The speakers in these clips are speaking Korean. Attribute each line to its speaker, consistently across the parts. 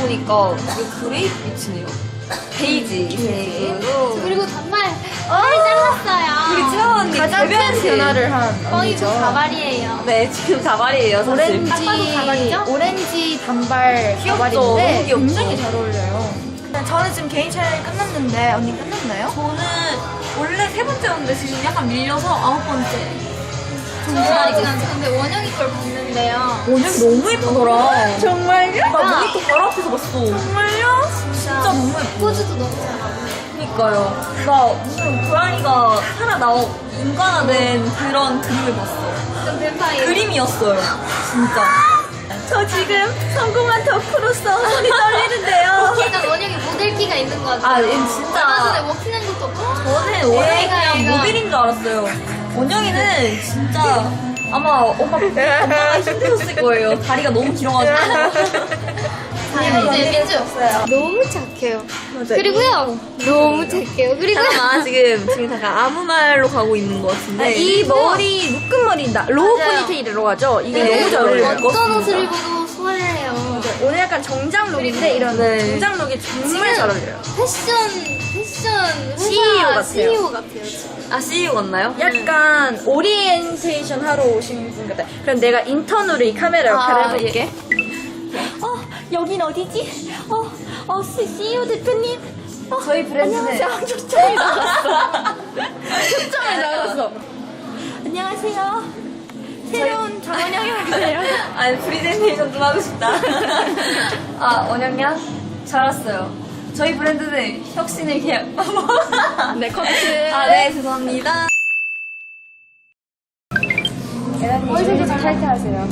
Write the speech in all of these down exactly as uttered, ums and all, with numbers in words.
Speaker 1: 보니까 되게 그레이 빛이네요. 베이지 색으로.
Speaker 2: 그리고 단발 머리 잘랐어요.
Speaker 1: 우리 채원 언니
Speaker 3: 가장 큰 변화를 한
Speaker 2: 거의 뭐
Speaker 3: 언니죠.
Speaker 2: 가발이에요.
Speaker 1: 네, 지금 가발이에요, 사실.
Speaker 3: 오렌지,
Speaker 2: 딱 봐도 가발이죠?
Speaker 3: 오렌지 단발
Speaker 1: 귀엽죠?
Speaker 3: 가발인데
Speaker 1: 너무 귀엽죠?
Speaker 3: 굉장히 잘 어울려요. 저는 지금 개인 촬영이 끝났는데 언니 끝났나요?
Speaker 1: 저는 원래 세 번째였는데 지금 약간 밀려서 아홉 번째.
Speaker 2: 정말 근데 원영이 걸 봤는데요.
Speaker 1: 원영이 너무 예쁘더라.
Speaker 3: 정말요?
Speaker 1: 나 모니터 바로 앞에서 봤어.
Speaker 3: 정말요?
Speaker 1: 진짜 너무 예뻐.
Speaker 2: 포즈도 너무 잘하고.
Speaker 1: 그니까요. 나 무슨 고양이가 살아나온 인간화된 그런 그림을 봤어.
Speaker 2: 좀 뱀파이어.
Speaker 1: 그림이었어요. 진짜. 저 지금 성공한 덕후로서 손이 떨리는데요.
Speaker 2: 약간 원영이 모델기가 있는 것 같아요.
Speaker 1: 아, 얘 진짜.
Speaker 2: 얼마 전에 워킹한 것도 없고.
Speaker 1: 저는 원영이
Speaker 2: 얘가,
Speaker 1: 그냥
Speaker 2: 얘가.
Speaker 1: 모델인 줄 알았어요. 원영이는 진짜 아마 엄마 엄마가 힘드셨을 거예요. 다리가 너무 길어가지고.
Speaker 2: 이제 민주 없어요. 너무 착해요.
Speaker 1: 맞아.
Speaker 2: 그리고요. 너무 착해요. 그리고
Speaker 1: 잠깐만 지금 지금 잠깐 아무 말로 가고 있는 것 같은데
Speaker 3: 이 머리 묶은 머리다. 로우
Speaker 2: 맞아요.
Speaker 3: 포니테일이라고 하죠. 이게
Speaker 2: 네,
Speaker 3: 너무 잘 어울려요.
Speaker 2: 어떤 옷을 입어도 소화해요.
Speaker 3: 오늘 약간 정장 룩인데 이런
Speaker 1: 네.
Speaker 3: 정장 룩이 정말 잘 어울려요.
Speaker 2: 패션 패션
Speaker 3: 씨이오 같아요.
Speaker 2: 씨이오 같아요. 지금.
Speaker 1: 아 씨이오 같나요?
Speaker 3: 약간 오리엔테이션 하러 오신 분 같아요. 그럼 내가 인턴으로 이 카메라 역할을
Speaker 1: 아,
Speaker 3: 해볼게.
Speaker 2: 어 여긴 어디지? 어어 씨이오 대표님. 어,
Speaker 1: 저희 브랜드는
Speaker 2: 안녕하세요. 초점이 나갔어.
Speaker 3: 초점을 나갔어.
Speaker 2: 안녕하세요. 새로운 정원영이 오세요.
Speaker 1: 아니 프리젠테이션 좀 하고 싶다. 아 원영양 잘 왔어요. 저희 브랜드는 혁신을 계약.
Speaker 3: 네, 커트.
Speaker 1: 아 네 죄송합니다.
Speaker 3: 에라님, 저희도 탈퇴하세요.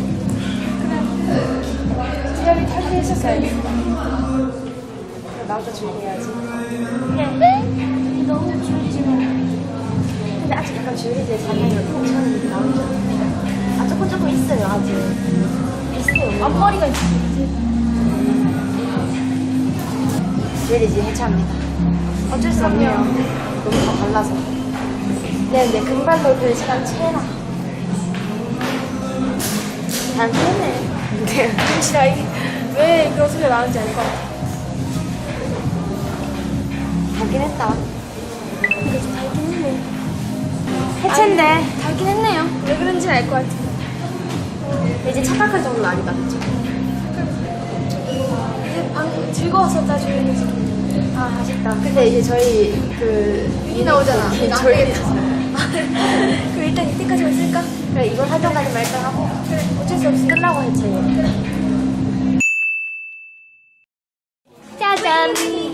Speaker 3: 그래. 수열이 탈퇴하셨어요. 나부터 준비해야지. 네. 너무 줄지만. 근데 아직 약간 줄이지. 자기가 저는 이렇게 나오죠. 아, 조금 조금 있어요, 아직. 비슷해요. 앞머리가 있지. 줄이지, 해체합니다. 어쩔 수 없네요. 너무 다 달라서. 네, 네, 금발로 될 시간 채나. 안 됐네. 네. 진짜 왜 그런 소리가 나는지 알 것 같아. 달긴 했다. 근데 좀 달긴 했네. 해체인데. 달긴 했네요. 왜 그런지 알 것 같아. 이제 착각할 정도는 아니다, 그쵸? 이제 방금 즐거웠었다, 조용히. 아, 아쉽다. 근데 이제 저희 그. 이 나오잖아. 저희. 그럼 일단 이때까지만 쓸까? 그래, 이번 활동까지 말까 하고. 그래, 어쩔 수 없이 끝나고 해체해.
Speaker 2: 짜잔.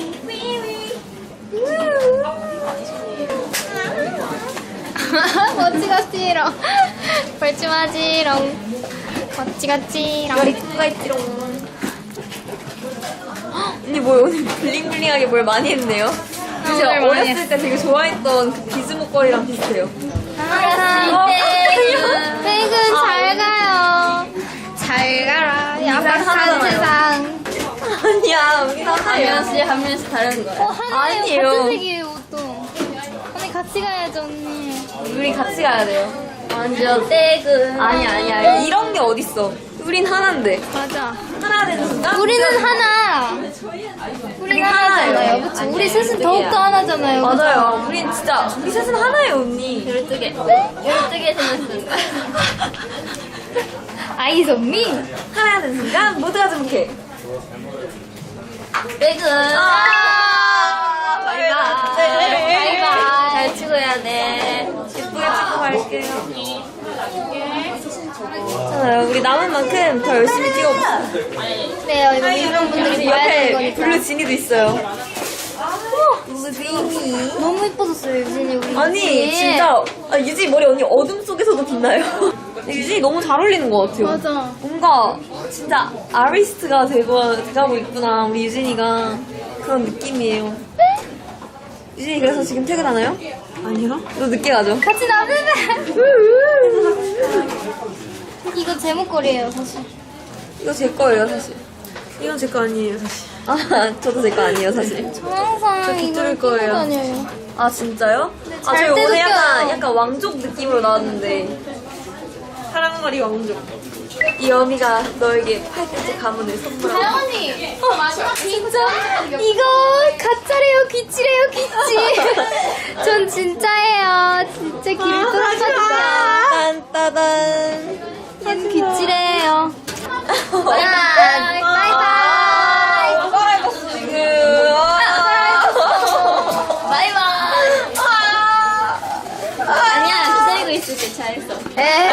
Speaker 2: 멋지같지롱. 벌침하지롱. 멋지같지롱.
Speaker 1: 머리 가 있지롱. 언니 뭐 오늘 블링블링하게 뭘 많이 했네요. 이제
Speaker 2: 오늘 많이
Speaker 1: 어렸을 때 되게 좋아했던 그 비즈 목걸이랑 비슷해요.
Speaker 2: 아, 퇴근. 퇴근 잘 가요. 잘 가라. 야박한
Speaker 1: 하나잖아요.
Speaker 2: 세상.
Speaker 1: 아니야 우리
Speaker 2: 한
Speaker 1: 하나예요.
Speaker 2: 명씩 한 명씩 다른 거예요. 어, 하나예요.
Speaker 1: 아니에요.
Speaker 2: 같은 색이에요, 옷도. 언니 같이 가야죠, 언니.
Speaker 1: 우리 같이 가야 돼요.
Speaker 2: 완전 퇴근.
Speaker 1: 아니 아니야 이런 게 어딨어. 우린 하나인데
Speaker 2: 맞아.
Speaker 1: 하나 되는 순간
Speaker 2: 우리는 하나. 우리는 하나잖아요. 그쵸? 우리 셋은 더욱더 하나잖아요. 그쵸?
Speaker 1: 맞아요. 우린 진짜 우리 셋은 하나예요 언니.
Speaker 2: 열두 개. 열두 개 생겼습니다. 아이즈 미
Speaker 1: 하나 되는 순간 모두가 주목해.
Speaker 2: 퇴근.
Speaker 1: 아,
Speaker 2: 바이바이. 바이바이. 잘 찍어야 돼.
Speaker 1: 예쁘게 찍고 갈게요. 괜찮아요. 우리 남은 만큼 더 열심히 찍어봅시다.
Speaker 2: 네, 이거 이런 분들이 봐야 되는
Speaker 1: 옆에
Speaker 2: 거니까.
Speaker 1: 블루 지니도 있어요. 블루 지니.
Speaker 2: 너무 예뻐졌어요, 유진이. 우리
Speaker 1: 아니
Speaker 2: 유진이.
Speaker 1: 진짜 아, 유진이 머리 언니 어둠 속에서도 빛나요. 근데 유진이 너무 잘 어울리는 것 같아요.
Speaker 2: 맞아.
Speaker 1: 뭔가 진짜 아리스트가 되고 돼가고 있구나 우리 유진이가 그런 느낌이에요. 유진이 그래서 지금 퇴근하나요? 아니요. 너 늦게 가죠?
Speaker 2: 같이 나누면. 이거 제목걸이에요, 사실.
Speaker 1: 이거 제 거예요 사실. 이건 제 거 아니에요 사실. 아 저도 제 거 아니에요 사실.
Speaker 2: 저 항상
Speaker 1: 저
Speaker 2: 이걸
Speaker 1: 깃들일
Speaker 2: 끼고
Speaker 1: 거예요.
Speaker 2: 다녀요.
Speaker 1: 아 진짜요? 아
Speaker 2: 잘
Speaker 1: 저희 오늘
Speaker 2: 때
Speaker 1: 약간
Speaker 2: 느껴요.
Speaker 1: 약간 왕족 느낌으로 나왔는데 사랑머리 왕족. 이 어미가 너에게 팔꿈치 가문을 선물하고.
Speaker 2: 다영언니 진짜 이거 가짜래요 귀찌래요 귀찌 전 진짜예요 진짜 길을 뚫어봤다
Speaker 1: 딴따단.
Speaker 2: 전 귀찌래요 바이바이 바이바이
Speaker 1: 살아있었어, 지금.
Speaker 2: 바이바이 아니야 기다리고 있을게 잘했어 에이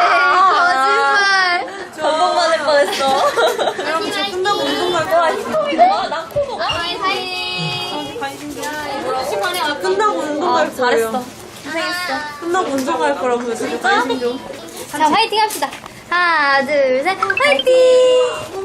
Speaker 2: 거짓말
Speaker 1: 전복 맞을 뻔했어. 여러분, 저 끝나고 운동 갈 거야. 와, 나 코도.
Speaker 2: 바이바이
Speaker 1: 끝나고 운동 갈 거예요.
Speaker 2: 잘했어
Speaker 1: 고생했어. 끝나고 운동 갈 거라고요. 진짜 관심 좀.
Speaker 2: 자 화이팅 합시다 하나 둘 셋 화이팅